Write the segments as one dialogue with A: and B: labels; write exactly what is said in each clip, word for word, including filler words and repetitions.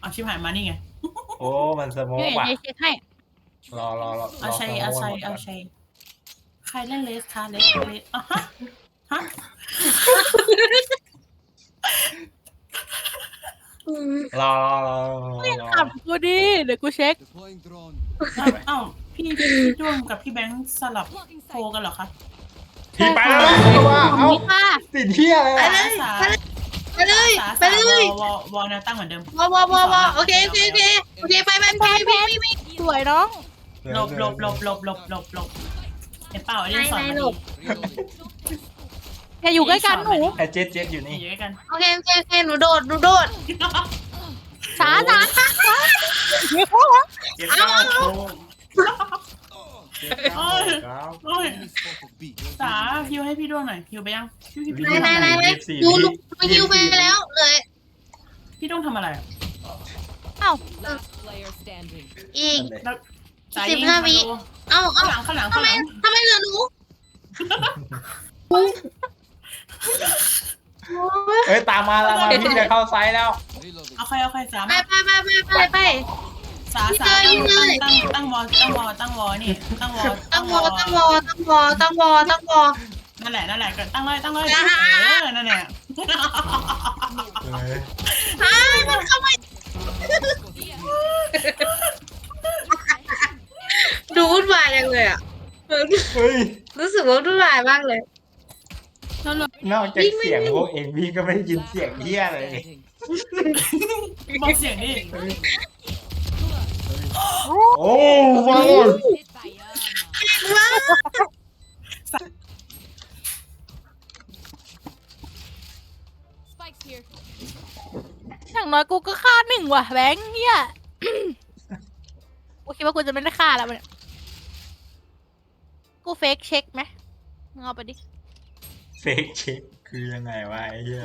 A: เอาชิบหายมานี่ไง
B: โอ้มันสโม
C: เดี๋
B: ก
C: ยว
B: ว่ะ
C: เดี๋ยวเช็คให้
B: รอรอรอ
A: เอาชัยเอาชัยเอาชัยใครเล่นเลสคะเลสเลสอ่ะฮะฮะ
B: รอรอรอรอ
C: ขับกูดิเดี๋ยวกูเช็ค
D: Deploying drone.
A: เอ้าพี่พี่ด้วงกับพี่แบงค์สลับโทรกันเหรอคะ
B: พี่ไปแล้วนะว่าเอ้า
C: นี่ค่ะ
B: ติดเที่ยอะไร
E: ไป
B: อะ
E: เลย
A: สา
E: ไปเลย
A: สา
E: ไปเลย
A: วอวอแนวตั้งเหมือนเดิม
E: วอวอวอวอโอเคโอเคโอเคโอเคไปไปไปไปไปไป
C: สวยน้อง
A: หลบหลบหลบหลบหลบหลบหลบเห็นเปล่าไอ้เรื่องสอนมาดี
D: Reloading.
C: อย่าอยู่ใกล้กันหนู
B: ไอ้เจ็ดเจ็ดอยู่นี่
A: อยู่ด้วยกัน
E: โอเคโอเคโอเคหนูโดดหนูโดด
C: ช้าช้าช้าช้า
B: เจ็ดเก้าโค้งเจ็ดเก้าเก้า
A: โอ้ย
D: Enemy spotted B.
A: สาฮิวให้พี่ด้วงหน่อยฮิวไปยังพี่พี่พี่
E: ไหน
A: ด้วง
E: ไหนไหนไหน
B: ยี่สิบสี่
E: ดูลูกมายิวไปแล้วเลย
A: พี่ด้วงทำอะไรอ่ะ
C: เอ้า
F: Last player standing.
E: อีก
A: แล้วสาย
E: สิบ
A: ยิง
E: ห้าวิ
A: มาดู
E: เอ้า
A: ข้า
E: เอ้าง
A: หลังข้างหลัง
E: ทำ
A: ข้าง
E: ไม
A: หลัง
E: ทำไมเหลือหนู
B: เอ้ยตามมาตามมาพี่จะเข้าไซส์แล้ว
D: Reloading.
A: เอาใครเอาใครสาม
E: ไปไปไปไปไปไป
A: สาสา
E: ยิงเลย
A: ตั้งตั้งวอตั้งวอตั้งวอนี่ตั้งวอ
E: ตั้งวอตั้งวอตั้งวอตั้งวอตั้งวอ
A: นั่นแหละนั่นแหละก็ตั้งเลยตั้งเลย
E: อ่า
A: เออนั่นแหละ
B: เฮ้ย
E: อ้าวมันเข้ามาดูวุ่นวายจังเลยอ่ะ
B: เฮ้ย
E: รู้สึกว่าวุ่นวายมากเลย
A: นั่นเลย
B: นอกจากเสียงพวกเองพี่ก็ไม่ได้ยินเสียงเที่ยอะไรเลย
F: Standing.
A: บอกเสียงดิ
B: โอ้ฟัง
F: Hit by Yana. Spikes here.
C: อย่างน้อยกูก็ฆ่าหนึ่งว่ะแบงค์เฮียกูคิดว่ากูจะไม่ได้ฆ่าแล้วมันยกูเฟกเช็คไหมมึงเอาไปดิ
B: เฟกเช็คคือยังไงวะไอ้เหี้ย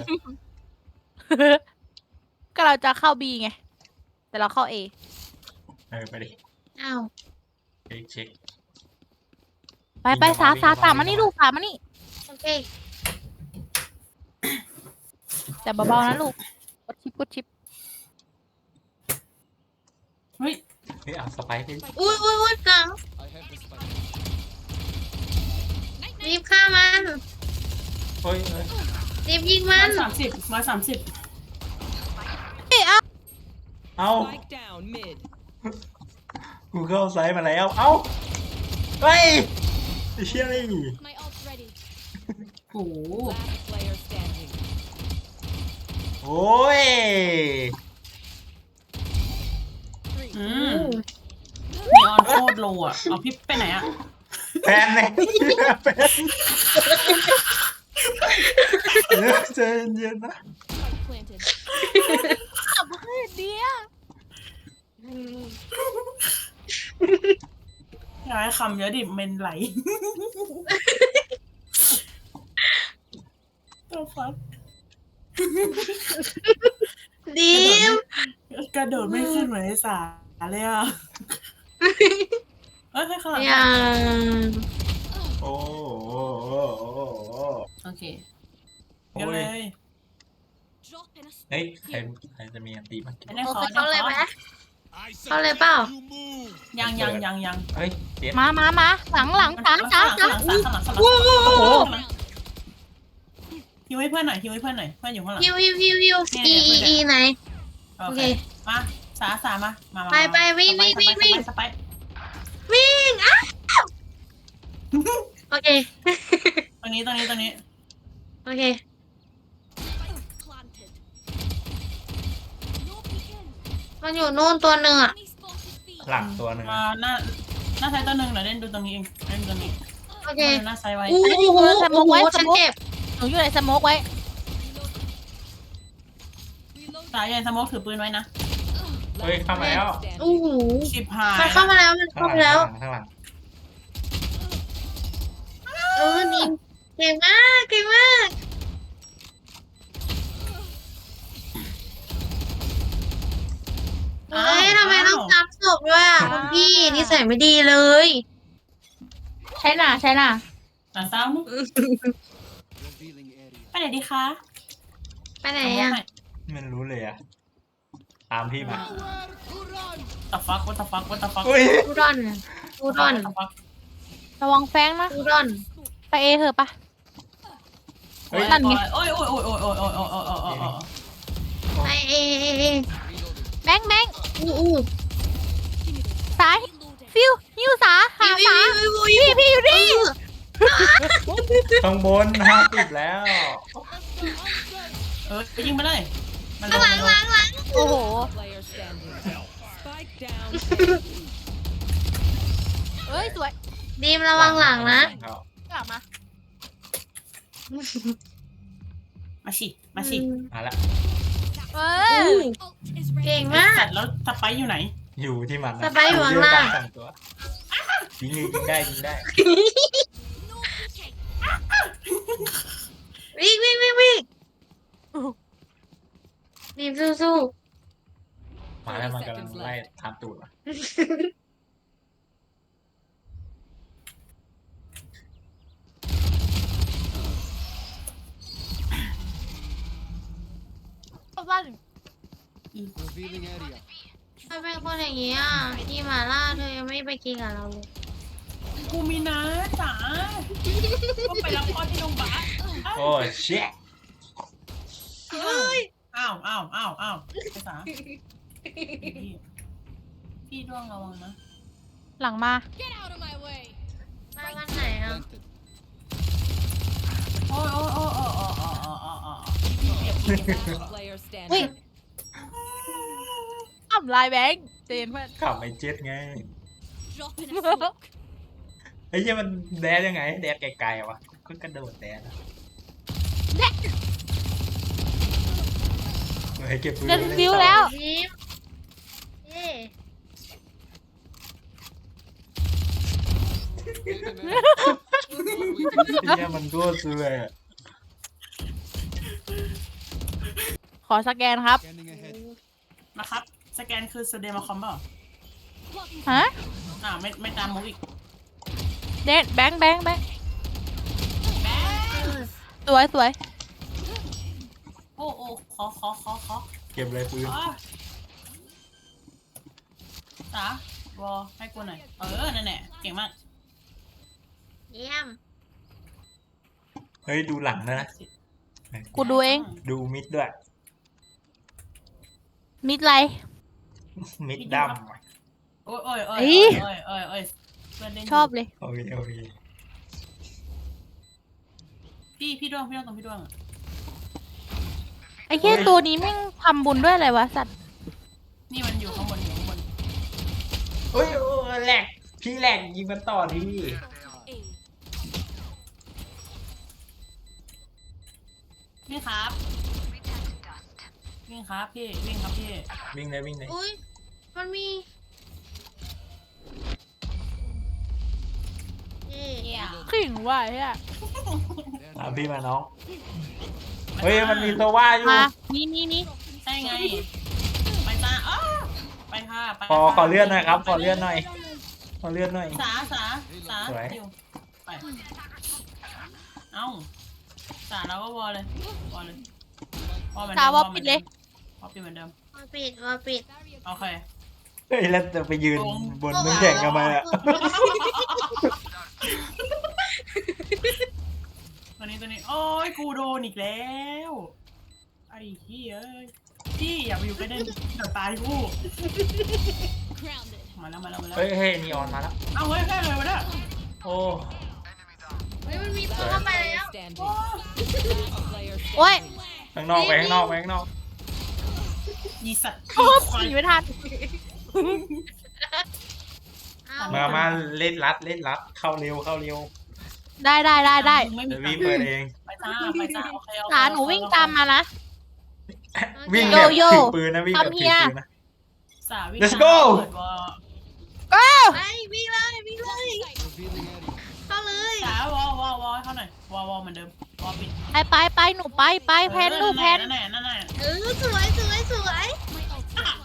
C: ก็เราจะเข้า B ไง แต่เราเข้า A
B: เออไปดิ
E: อ้าว
B: เฟกเช็ค
C: ไปไปสาสาสามมานี่ลูกสามมานี่
E: โอเค
C: แต่เบาๆนะลูกกดชิปกดชิป
A: เฮ้ย
B: เฮ้ยเอาสไปค์ไป
E: อุ้ยอุ้ยอุ้ยหลัง
D: I have the spike.
E: รีบฆ่ามัน
B: เฮ้ยเฮ้ย
E: รีบยิงมั
A: มาน สามสิบมาสามสิบ
C: เอ้ยเอา
B: เอา
F: Spike down mid.
B: กูเข้าไซส์มาแล้ว เอาเฮ้ยไอ้เชี่ยนี่
F: My ult's ready.
A: โอ้โห
F: Last player standing.
B: โอ้ย
F: Three.
A: อืมนีออนโคตรโลอ่ะเอาพี่ไปไหนอ่ะ
B: แฟนเนี่ยแฟนเดี๋ยวใจเย็นๆนะ
F: Spike planted.
C: ขับมาขึ้นเดียว
A: ย้ายคำเยอะดิเมนไหลตัวฟัก
E: ดีม
A: กระโดดไม่ขึ้นเหมือนไอ้สาเลยอ่ะเอ้ยให้ข้างหลัง
E: ยัง
B: โอ้โหโอ้โหโอ้โห
A: โอเค
B: โอ้
A: กันเลย ย
F: Drop in a
B: เฮ้ย
F: smoke
B: ใคร
F: here.
B: ใครจะมีอันตีมาเก็บ
A: ไม่ได้
E: โอ
A: ขอ
E: เคเขาเลยไหม
D: I said,
E: Sao lại bảo?
D: you move.
A: ยังยังยังยัง
B: เฮ้ยเจ็ด
C: มามามาหลังหลังสามสามสาม
A: ข้างหลังข้างหลังข้างหลัง
E: โอ้โห
A: ฮิวให้เพื่อนหน่อยฮิวให้เพื่อนหน่อยเพื่อนอยู่ข้างหลัง
E: ฮิวฮิวฮิวฮิวอีอีอีไหน
A: โอ
E: โอ
A: เค
E: เค
A: มาสาสามามา
E: ไปไปวิ่งวิ่งวิ่งวิ่ง
A: สไป
E: วิ่งอ้าวโอเค
A: ตรงนี้ตรงนี้ตรงนี้
E: โอเค
F: Spike planted. No peeking.
E: มันอยู่นู่นตัวหนึ่งอ่ะ
F: Enemy spotted B.
B: หลังตัวหนึ่ง
A: มาหน้าหน้าไซต์ตัวหนึ่งเดี๋ยวเล่นดูตรงนี้เองเล่นตรงนี้
E: โอเค
A: หน้าไซต์ไว้
E: อู้หูโอ้โหฉันเจ็บ
C: หนูอยู่ในสโมกไว้
F: Reload.
A: สายใหญ่สโมกถือปืนไว้นะ
B: เฮ้ยเข้ามาแล้ว
F: Standing.
E: อู้หู
A: ชิบหาย
E: มันเข้ามาแล้วมัน
B: ข้าง
E: เข้า
B: หลั
E: มาง แล้ว
B: ข้างหลัง
E: เออนี่เก่งมากเก่งมากเฮ้ยทำไมต้องซ้ำศพด้วยอ่ะคุณพี่นิสัยไม่ดีเลย
C: ใช่น่ะใช่น่ะ
A: หลังซ้ำ
D: Revealing area.
A: ไปไหนดีคะ
E: ไปไหนอ่ะ
B: ไม่รู้เลยอ่ะตามพี่มา
A: ตะฟักวัตฟักวัตฟัก
B: อุ้ย
E: กูดอนกูดอน
A: ฟัก
C: ระวังแฟงนะ
E: กูดอน
C: ไปเอเถอะปะ
B: เฮ้ย
C: นั่นไง
A: โอ้ยโอ้ยโอ้ยโอ้ยโอ้ยโอ้ยโอ้ยโอ้ยโอ้ยโอ้ยโอ้ย
E: ไอเอเอเอ
C: แบงค์แบงค์
E: อู้อู้
C: ซ้าย
F: Reloading.
C: ฟิวยิวสาหา
E: วิว
C: สา
E: วิววิว
C: พี่พี่อยู่นี่
B: ข้างบนห้าสิบแล้ว
A: เออไปยิงไปเลยมันล
E: ข้าง
A: ง
E: หลัง
A: มัน
E: ห
A: ล
E: ลั
A: ง
E: งหลัง
C: โอ้โห
G: Player standing. Spike down.
C: เอ้ยสวย
E: ดีมระวังหลังนะ
C: กลับมา
A: มาสิมาสิ
B: มาละ
C: เอ
E: อู้
C: อ
F: Ult is
E: เก่ง
F: ready.
E: มาก
A: สัตว์แล้วสไปอยู่ไหน
B: อยู่ที่มันนะ
E: สไปร์อยู่ข้างล่าง
B: สองตัวยิงเลยยิงได้ยิงได้
F: No peeking.
E: วิ่งวิ่งวิ่งวิ่งดีมสู้สู้
B: มาแล้วมันกำลังไล่ตามตูดมา
C: บ้าน
D: Revealing area.
E: ทำไมเป็นคนอย่างนี้อ่ะพี่หมาล่าเธอยังไม่ไปกินกับเราเลย
A: กูมีนะจ๋าก็ไปรับพ่อที่โรงพยาบาล
B: โอ้เชี่ย
A: เฮ้ยอ้าวอ้าวอ้าวอ้าวไปจ๋าพี่ด้วงระวังนะ
C: หลังมา
F: Get out of my way.
E: มาวันไหนอ่ะ
D: Planted.
A: โอ้ยโอ้ยโอ้ยโอ้ยโอ้ยโอ้ยโอ้ยโอ้ยโอ้ยพี่เปียกพี่เปียก
G: Last player standing.
C: เฮ้ยอ่ำลายแบงค์เจนเพื่อน
B: ขับไอ้เจ็ดไง
F: Drop in a smoke.
B: ไอ้เหี้ยมันแดดยังไงแดดไกลๆวะก็กระโดดแดดอะเฮ้ยเก็บปืน
C: เดินฟิวแล้ว
E: ดีมเย่
B: ไอ้เหี้ยมันก็ซื้อเลยอะ
C: ขอสแกนครับ
D: Scanning ahead.
A: นะครับสแกนคือสเดมาคอมเปล่า
F: Blocking
C: ฮะ
A: อ่าไม่ไม่ตามมุกอีก
C: เดนแบงค์แบงค์แบงค์สวยสวย
A: โอ้โอ้ขอขอขอขอ
B: เก็บเลยปืน
A: อ๋อจ๋าวอให้กูหน่อยเออนั่นแหละเก่งมาก
E: เยี่ยม
B: เฮ้ยดูหลังนะ
C: กูดูเอง
B: ดูมิดด้วย
C: มิดไร
B: มิดด
A: โอ้ยโอ้ยโอ้ย
C: เอ้ย
A: โอ้ยโอ้ยโอ้ยเพื่อนเล่นยู่
C: ชอบเลย
B: ำโอเคโอเค
A: พี่พี่ด้วงพี่ด้วงตรงพี่ด้วงอะ
C: ไอ้แค่ตัวนี้แม่งทำบุญด้วยอะไรวะสัตว์
A: นี่มันอยู่ข้างบนอยู่ข้างบน
B: เฮ้ยโอ้ยแหลกพี่แหลกยิงมันต่อที่
F: A.
A: วิ่งครับวิ่งครับพี่วิ่งครับพี่
B: วิ่งเลยวิ่งเลย
E: อุ้ยมันมีเย่
C: ขิงว่ะเฮีย
B: ตามพี่มาน้องเฮ้ยมันมีตัวว่าอยู่
C: มานี่นี่นี่
A: ใช่ไงไปจ้าอ้อไปค่ะไป
B: ขอ
A: ค่ะ
B: ขอเลื่อนหน่อยครับขอเลื่อนหน่อยขอเลื่อนหน่อย
A: สาสาสา
B: สวย
A: อยู่ไปเอ้าสาเราก็วอลเลยวอลเลยวอลเหมือน
C: สา
A: เดิม
C: วอปิดเลย
A: วอลปิดเหมือนเดิม
E: มาปิดมาปิด
A: โอเค
B: เฮ้ยแล้วจะไปยืนบนน้ำแข็งกันไหมอะ
A: ตัวนี้ตัวนี้โอ้ยกูโดนอีกแล้วไอ้เหี้ยเอ้ยพี่อย่าไปอยู่ใกล้เด่นเดี๋ยวตายกู
F: Grounded.
A: มาแล้วมาแล้วมาแล้ว
B: เฮ้ยเฮ้ยนีออนมาแล้ว
A: เอาเฮ้ยแค่เลยวะเนี่ย
B: โอ้
E: เฮ้ยมันมีตัวเข้าไป
G: Player
E: แล้ว
G: standing. Last player
C: โอ้ย
G: standing.
B: ข้างนอกไปข้างนอกไปข้างนอก
A: ยีสัตว์
C: โอ้หนีไม่ทัน
E: อ้าว
B: มามาเล่นรัดเล่นรัดเข้าเร็วเข้าเร็ว
C: ได้ได้ได้ได้
A: ไม่มี
B: เดี๋ยว
A: ตั
B: พี่
A: งค์
B: เปิดเอง
A: ไปจ้าไปจ้าโอเคโอเค
C: สาหนูวิ่งตามมานะ
B: วิ่งแบบ
C: โยโย่
B: ถือปืนนะวิ่งแบบ
C: ทำเฮี
B: ถือย ปืนนะ
A: สาวิ่ง
B: Let's
A: ตาม
B: go
A: เปิดวอล
E: ไปวิ่งเลยวิ่งเลย
D: Revealing area.
E: เข้าเลย
A: สาวอลวอลวอลให้เขาหน่อยวอลวอลเหมือนเดิมวอลปิด
C: ไปไปไปหนูไปไปแพนหนูแพน
A: นั่นแหละนั่นแหละนั่นแหละ
E: เออสวยสวยสวย
F: My ult is planted.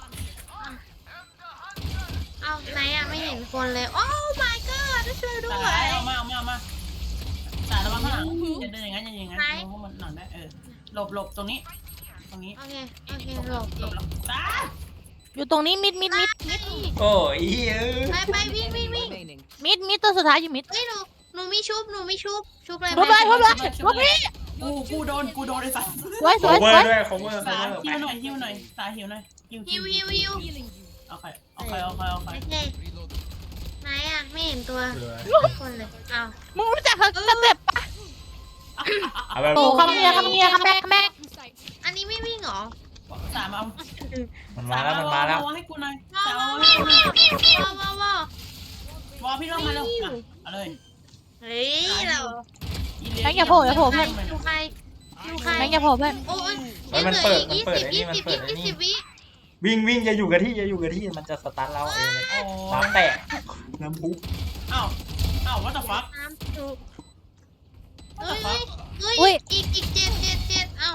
E: เอาไหนอะไม่เห็นคนเลย โอ้ my god ช่วยด้
A: สา
E: วย
A: เอามาเอามาเอามาสาระวังข้างหลังอย่าเดินอย่างนั้นอย่าอย่างนั้นมองพวกมันหลังได้เออหลบหลบตรงนี้ ตรงนี้
E: โอเคโอเคหลบ
A: หลบหลบสา
C: อยู่ตรงนี้มิดมิดมิด
B: โอ้ยเอ้ย
E: ไปไปวิ่งวิ่ง
G: Enemy
E: วิ่ง
G: remaining.
C: มิดมิดตัวสุดท้ายอยู่มิด
E: เฮ้ยหนูหนูมีชุบหนูมีชุบชุบเลย
C: ทุบเลยทุบเลยทุบพี่
A: กูกูโดนกูโดนไอ้สัส
C: สวยส
B: โค
C: วย
B: เว
C: ส
B: อ
C: วย
B: ร์ด้วยโคเวอร์โค
A: สา
B: เวอร์
A: หิวหน่อยหิวหน่อยสาหิวหน่อยหิว
E: ฮิวฮิวฮิว
F: Healing you.
A: โอเคโอเคโอเคโอเคโอเค
E: โอเค
D: Reloading.
E: ไหนอ่ะไม่เห็นตัว
B: เออ
E: คนเลยอ้าว
C: มึงรู้จักเขาสเต็ปปะ
B: เอาแบบ
C: โอ้คำเนียคำเนียคำแบกคำแบก
F: In sight.
E: อันนี้ไม่วิ่งเหรอ
A: สามเอา
B: มันมาแล้วมันมาแล้ว
A: วางให้กูหน่อย
E: ว้า
A: สาว
E: ว้าว
A: ให้กูหน่อย
E: ว้าวว้าวว้าว
A: วอพี่น้องมาแล้วเอาเลย
E: เฮ้ยเรา
C: แบงค์อย่าโผล่อย่าโผล่
E: ใคร
C: เพื่อน
E: ดูใครดูใคร
C: แบงค์อย่าโผล่เพื่อน
E: โอ้ย
B: เฮ้ยมันเปิดมันเปิดไอ้นี่มันเปิดไอ้
E: ยี่
B: นี่
E: สิบวิ
B: วิ่งวิ่งอย่าอยู่กับที่อย่าอยู่กับที่มันจะสตาร์ทเราเองเลย
A: โอ้
B: น้ำแตกน้ำพุ
A: อ้าวอ้าว what the fuck
E: น้ำจุก
A: what
E: เฮ้
A: the
E: ย
A: fuck
E: เฮ้ยอีกอีกเจ็ดเจ็ดเจ็ดเอ้า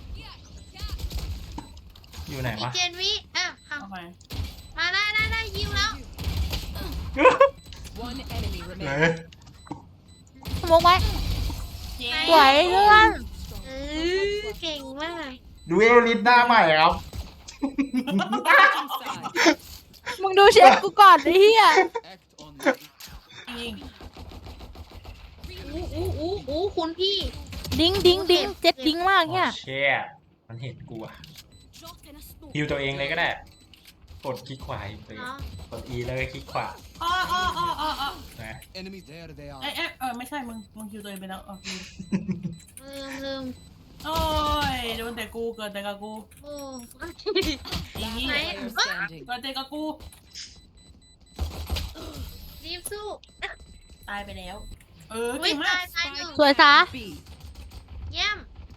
B: อยู่ไหน
E: อีก
B: วะ
E: เจ็ดวิอ่ะเอา
A: โอเค
E: มาได้ได้ได้ยิวแล้ว
G: One enemy
B: ไหน
G: remaining.
C: สมองไว้
A: เย้
C: สวยเพื่อน
E: เออเก่งมาก
B: ดูเอลลิสหน้าใหม่ครับ
G: Inside.
C: มึงดูเชฟกูก่อนไอ้เหี้ย
D: Act on me.
A: จริง
E: อู้อู้อู้อู้คุณพี่
C: ดิ้งดิ้งดิ้งเจ็ดดิ้งมากเนี่ย
B: เชี่ยมันเห็นกูอะ
F: Drop in a smoke.
B: ฮิวตัวเองเลยก็ได้ กดคลิกขวาฮิวตัวเอง
E: เนาะ
B: กด E แล้วก็คลิกขวา
A: อ๋ออ๋ออ๋ออ๋ออ๋อ
B: นะ
D: Enemy there, they
A: เอ๊ะ
D: are.
A: เอ๊ะเออไม่ใช่มึงมึงคิวตัวเองไปแล้วอ๋อลืม
E: ลืมลืม
A: โอ้ยโดนแต่กูเกิดแต่กับกู
E: โอ้
A: อีนี่
E: ไหน
G: Player standing.
A: เกิดแต่กับกู
E: รีบสู้
A: ตายไปแล้ว เออ
E: อุ้ย
A: เก่งมา
E: ตาก ยตายหนึ่ง
C: สวยซะ
G: B.
E: เยี่ยม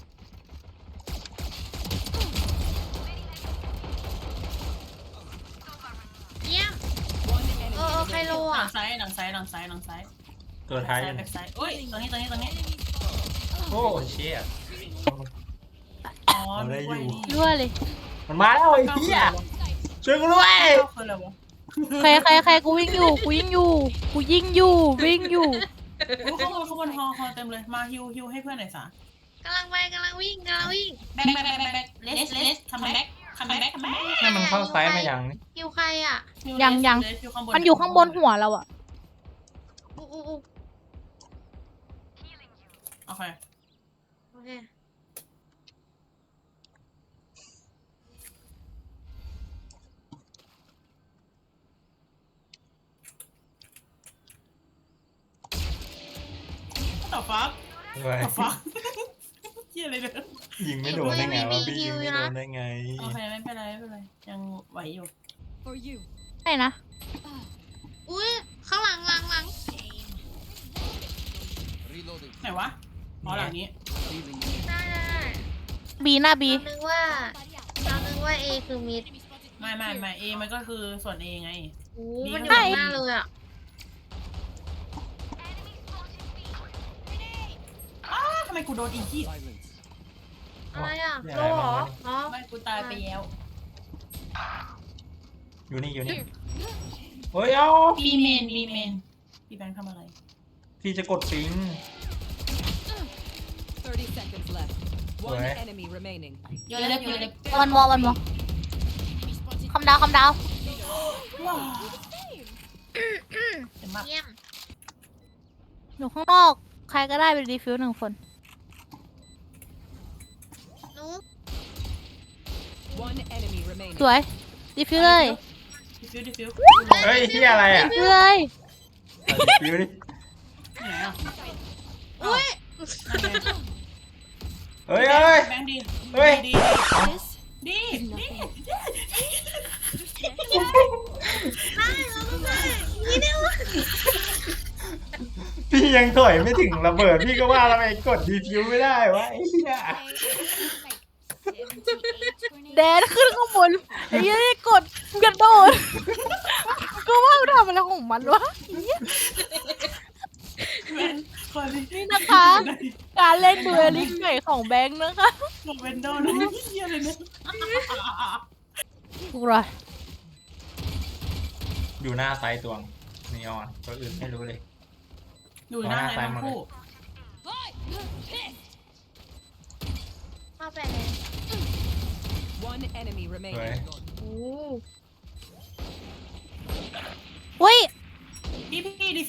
E: เยี่ยม
G: One
E: เอ
G: enemy
E: อเออใคร
G: remaining.
E: โล
A: หลั
E: อ่ะ
A: งซ้ายหลังซ้ายหลังซ้ายหลังซ้าย
B: ตัวท้าย
A: แบ็คซ้ายเอ้ยตรงนี้ตรงนี้ตรงนี้
B: โอ้เชี่ย
A: อ๋อ
B: เอาได้อยู่
C: รั่วเลย
B: มันมาแล้วไอ้เหี้ยช่วยกูด้วย
A: เข้าคืออะไรวะ
C: ใครใครใครกูวิ่งอยู่กูยิงอยู่กูยิงอยู่วิ่งอยู่
A: โอ้ข้างบนข้างบนฮอฮอเต็มเลยมาฮิวฮิวให้เพื่อนหน่อยสาก
E: ำลังไปกำลังวิ่งกำลังวิ่ง
A: แบ็คแบ็คแบ็คแบ็คเลสเลสคัมแบ็คคัมแบ็คคัมแบ็ค
B: ให้มันเข้าไซส์มาอย่างนี้
E: คิวใครอ่ะ
C: ยังยัง มันอยู่ข้างบนหัวเราอะ
E: อู้อู้อู้
A: โอเค
E: โอเค
A: ต่อฟัก
B: ไว้
A: ต่อฟักเกี่ยอะไรเนี่ย
B: ยิงไม่โดนได้ไงวะพี่ยิงไม่โดนได้ไง
A: โอเคไม่เป็นไรไม่เป็นไรยังไหวอยู่
F: For you.
C: ใช่นะ
E: อุ้ยข้างหลังหลังหลัง
D: Reloading.
A: ไหนวะอ๋อหลังนี้
D: Healing you.
E: ได้ได้ได้
C: บีหน้าบี
E: เรานึกว่าเรานึกว่าเอคือมิด
A: ไม่ไม่ไม่เอมันก็คือส่วนเอไง
E: โอ้มันอยู่ข้างหน้าเลยอ่ะ
A: อ้าวทำไมกูโดนอีกที่
D: Silence.
E: อะไรอ่ะโลเหรออ๋อ
A: ไม่กูตายไปแล้ว
B: อยู่นี่อยู่นี่เฮ้ยเอา
A: บีเมนบีเมนพี่แบงค์ทำอะไร
B: พี่จะกดปิง
G: Thirty seconds left. One
B: Where?
G: enemy remaining.
A: เยอะเลยเยอะเลย
C: วันวอวันวอคำดาวคำดาว
A: ว้าวเจ็บมาก
E: เยี่ยม
C: อยู่ข้างนอก ใครก็ได้เป็นรีฟิวหนึ่งคน
E: หนู
G: One enemy remaining.
C: สวยรีฟิวเลย
A: ดิฟิวดิฟิว
B: เฮ้ยที่อะไรอ่ะ
C: รีฟิวเลย
B: ฟิวดิ
A: ไหนอ่ะ
E: อุ้ย
A: นั่นไง
B: เฮ้ยเฮ้ย
A: แบงค์ดี
B: เฮ้ย
A: ดีดีดี
E: ได้เราต้องได้นี่เดียว
B: พี่ยังถอยไม่ถึงระเบิดพี่ก็ว่าทำไมกดดีฟิวไม่ได้วะไอ้เหี้ย
C: แดนขึ้นข้างบนไอ้เหี้ยกดกระโดดก็ว่ามันทำอะไรของมันวะ
A: แบงค์คนนี้
C: นี่นะคะ การเล่นดูเอลิงใหม่ของแบงค์นะคะ
A: บอกเป็นโดนนะเฮียเลยเนี่ย
C: กูรอ
B: อยู่หน้าซ้ายตวงนีออนตัวอื่นไม่รู้เลย
A: อยู่หน้าไหนทั้งคู่
E: เข้าไปเลย
G: One enemy
B: สวย
G: remaining.
E: โอ้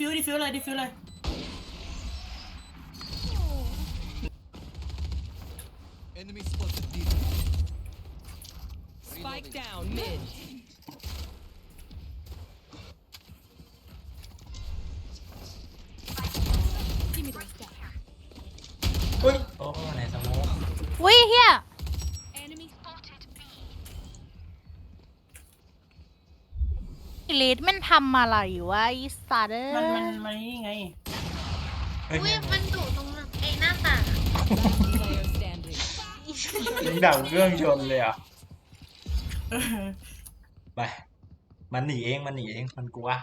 A: ฟิวดิฟิวเลยดิฟิวเลย
D: Enemy spotted B.
G: Spike down mid.
F: Give me those guys.
B: อุ้ยโอ้ในสโมอง
C: อุ้ยเฮีย
F: Enemy spotted B.
C: อีลิทมันทำอะไรวะอีสัตว์เอ้
A: มันมัน
C: ย
A: มันนี่ไง
B: เฮ้ย
E: อุ้ยมันอยู่ตรงไอ้หน้าต่าง
G: Last player standing.
B: ยิงดับเครื่องชนเลยอ่ะ ไป มันหนีเอง มันหนีเอง มันกลัว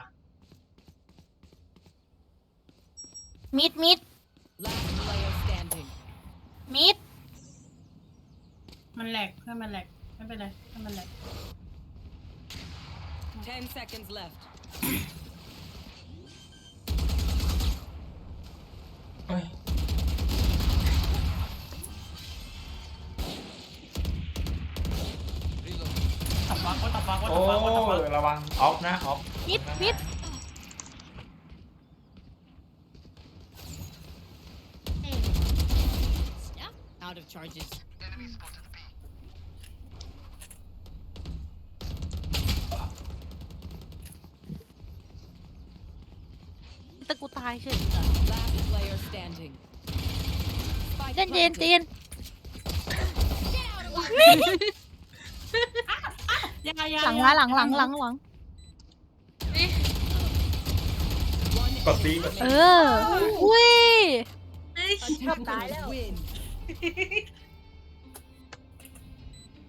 C: มิดมิด
G: Last player standing.
C: มิด
A: มันแหลกเพื่อนมันแหลกไม่เป็นไรเพื่อนมันแหลก
G: Ten seconds left.
B: เฮ้ย
D: Reload.
A: ตับฟักว่าตับฟักว่า
B: โอ้
A: ตับฟักว่าตับฟัก
B: ระวังออฟนะออฟ
C: มิดมิด
F: Out of charges.
C: แต่กูตายเฉย
G: Last player standing. Spike
C: เย็นเย็น
G: planted.
C: เย็น
A: ยังไงยัง
C: หลังมาหลังหลังหลังหลัง
G: One
B: กดตีกด
C: เอ
B: ตี
C: อ อุ้ย
E: เฮ้ย
G: attackers win.